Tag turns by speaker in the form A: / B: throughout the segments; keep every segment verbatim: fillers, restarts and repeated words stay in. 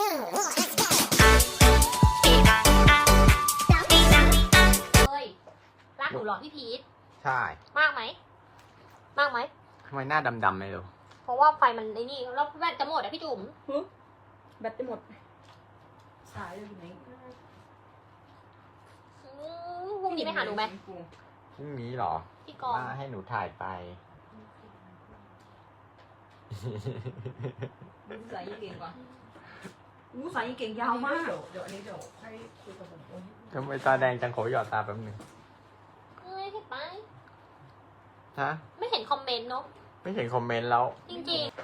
A: เฮ้ยรักหนูหรอพี่พีท
B: ใช่
A: มากไหมมากไหม
B: ทำไมหน้าดำๆไม่รู้
A: เพราะว่าไฟมันไอ้นี่แล้วแบตจะหมดอะพี่จุ๋ม
C: แบตจะหมดสายอยู่ไหน
A: พรุ่งนี้ไปหาหนูไหม
B: พรุ่งนี้เหรอ
A: พี่กอง
B: มาให้หนูถ่ายไป
C: สายยี่เก่งกว่าอู้สายยี่เก่งยาวมากเดี๋ยวอันนี้เดี๋ยวให้คุยกับผม
B: ทำไมตาแดงจังขอหยอดตาแป๊บนึง
A: ไม่เห็นไป
B: ฮะ
A: ไม่เห็นคอมเมนต์เนาะ
B: ไม่เห็นคอมเมนต์แล้ว
A: จริงๆ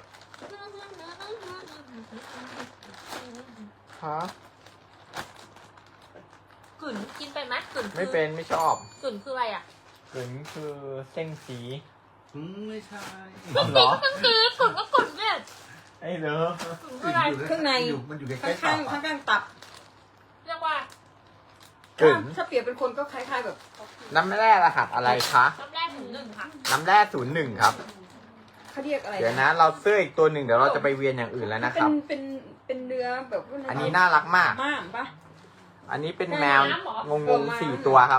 B: ฮะ
A: กึ่นกินเป็นไหมกึ่น
B: ไม่เป็นไม่ชอบ
A: กึ่นคืออะไรอ่ะ
B: กึ่นคือเส้นสี
D: อืมไม่ใช่
B: เหรอ
A: กึ่นกึ่นกึ่นก็กึ่นเนี่ย
B: ไอ้เหรอ
C: ข้างใน
D: มันอยู่ใกล้ๆ
C: ข้างข้างข้างตับ
A: เรียกว่าก
B: ึ่น
C: ถ้าเปรียบเป็นคนก็คล้ายๆแบบ
B: น้ำแร่รหัสอะไรคะ
A: น้ำแร่ศูนย์หนึ่งค่ะ
B: น้ำแร่ศูนย์หนึ่งครับ
C: เขาเรียกอะไร
B: เดี๋ยวนะเราเสื้ออีกตัวหนึ่งเดี๋ยวเราจะไปเวียนอย่างอื่นแล้วนะครับ
C: เป็นเป็นเป็นเนื้อแบบ
B: อันนี้น่ารักมาก
C: มากปะ
B: อันนี้เป็นแมวงงงสี่ตัวครับ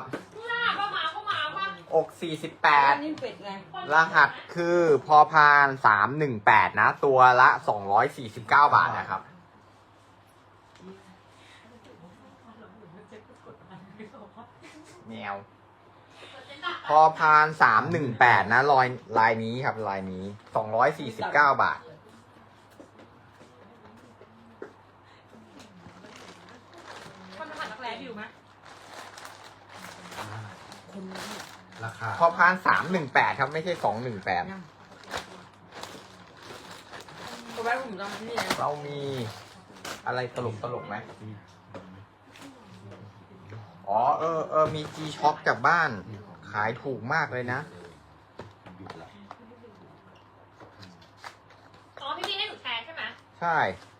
B: อกสี่สิบแปดรหัสคือพอพานสามหนึ่งแปดนะตัวละสองร้อยสี่สิบเก้าบาทนะครับแมวพอพานสามหนึ่งแปดนะลายลายนี้ครับลายนี้สองร้อยสี่สิบเก้าบาท
A: คนผ่านรักแร้อยู่ไหม
D: ราคา
B: พอพานสามหนึ่งแปดครับไม่ใช่สองหนึ่งแปดเรามีอะไรตลกตลกไหมอ๋อเออเออมี G Shock จากบ้านขายถูกมากเลยนะ
A: อ๋อพี่พี่ให้หนูแชร์ใช่ไหม
B: ใช่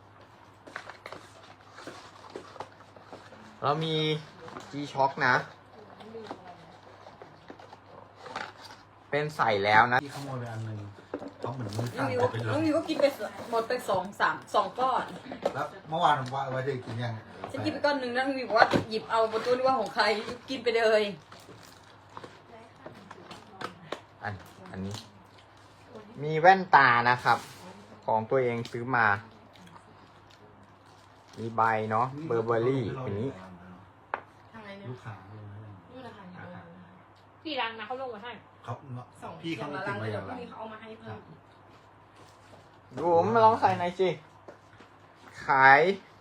B: เรามี G Shock นะเป็นใส่แล้วนะ
D: ที่ขโมยไปอันหนึ่งเขาเหมือนมือสั่น
C: น้องวิวก็กินไปหมดไปสองสามสองก้อน
D: แล้วเมื่อวานผมว่าไว้จะกินยัง
C: ฉันกินไปก้อนหนึ่งแล้วน้องวิวบอกว่าหยิบเอาบนตู้นี่ว่าของใครกินไปเลย
B: อันอันนี้มีแว่นตานะครับของตัวเองซื้อมามีใบเนาะเบอร์เบอรี่อันนี้
D: ลูกค้า
A: พี่รังนะเขาลงมาให้
D: เขาพี่เขาติดมาอย่างไร
C: เขาเอามาให้เพิ่ม
B: ดูมาลองใส่หน่อยสิขาย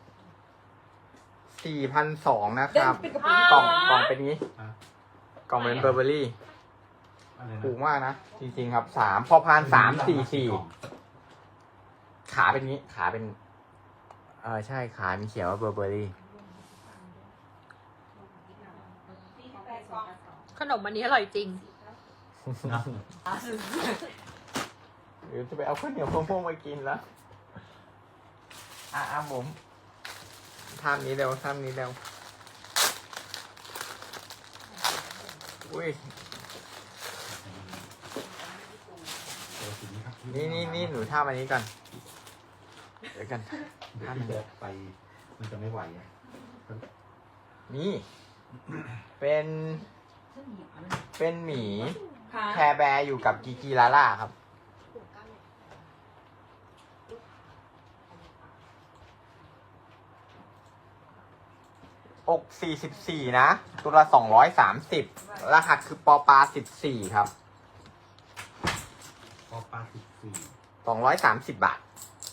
B: สี่พันสองนะครับกล่องกล่องเป็นนี้กล่องเป็นเบอร์เบอรี่ถูกมากนะจริงๆครับสามพอพานสามสี่สี่ขาเป็นนี้ขาเป็นเออใช่ขามีเขียนว่าเบอร์เบอรี่
A: ขนมอันนี้อร่อยจริง
B: เดี๋ยวจะไปเอาข้าวเหนียวมะม่วงมากินแล้วอ่ะอ่ะผมทำนี้เร็วทำนี้เร็วอุ้ยนี่นี่นี่หนูทำอันนี้ก่อนเดี๋ยวกัน
D: ถ้ามันไปมันจะไม่ไหว
B: นี่เป็นเป็นหมีแคร์แบร์อยู่กับกีกีลาล่าครับอกสี่สิบสี่นะตัวละสองร้อยสามสิบรหัสคือปอปาสิบสี่ครับ
D: ปอปาสิบสี่
B: สองร้อยสามสิบบาท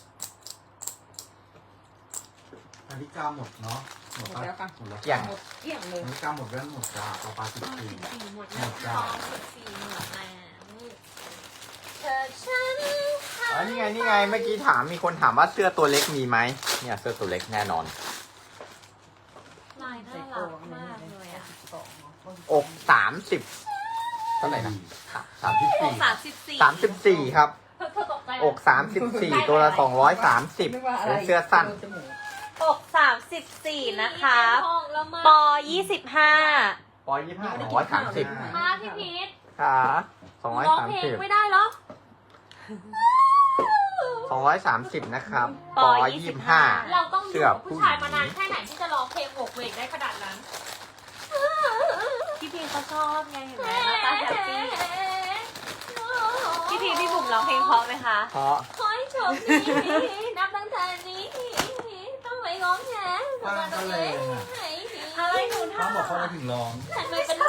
D: อันนี้กาหมดเนาะหมดแล้วค่ะหมดแล้ว
B: อย่าง
C: หมดเกี่ยงเลย
D: อันนี้กาหมดแล้วหมดจ้าปอปาสิบสี่
A: หมดแล้วจ้าสิบสี่หมดแล้วเธอฉัน
B: อ๋อนี่ไงนี่ไงเมื่อกี้ถามมีคนถามว่าเสื้อตัวเล็กมีไหมเนี่ยเสื้อตัวเล็กแน่นอน
A: ลายน่ารักมากเลยอ่ะ
B: อกสามสิบเท่าไหร่นะสามสิบสี่
A: สามสิบสี่
B: สามสิบสี่ครับอกสามสิบสี่ตัวละสองร้อยสามสิบเป็นเสื้อสั้น
A: อกสามสิบสี่นะคะปอยี่สิบห้า
B: ปอยี่สิบห้าสองร้อยสามสิบ
A: ค่ะพี่พีท
B: ค่ะสองร้อยสามสิบ
A: ไม่ได้หรอ
B: สองร้อยสามสิบนะครับ
A: ป
B: ป
A: อ
B: อ
A: ยี่
B: ยี่
A: สิ
B: สิ
A: บบ ห้า
B: ห้า
A: เราต้องอ
B: เสื้
A: ยู่
B: อ
A: กับผู้ชายมานานแค่ไหนที่จะร้องเพลงโหวกเวกได้ขนาดนั้น พี่พีเขาชอบไงเห็นไหมหน้าตาแฮปปี้พี่พีพี่บุ๋มร้องเพลงเพราะไหมคะ
B: เพราะ
A: ขอให้โชคดีนับตั้งแต่นี้ต้องไม่ร้องแฉ
D: ฟังก็เลยอ่ะ
A: อะไรหนู
D: เขา
A: ทำ
D: บอกเขามาถึงร้อง
A: ทำไมเป็น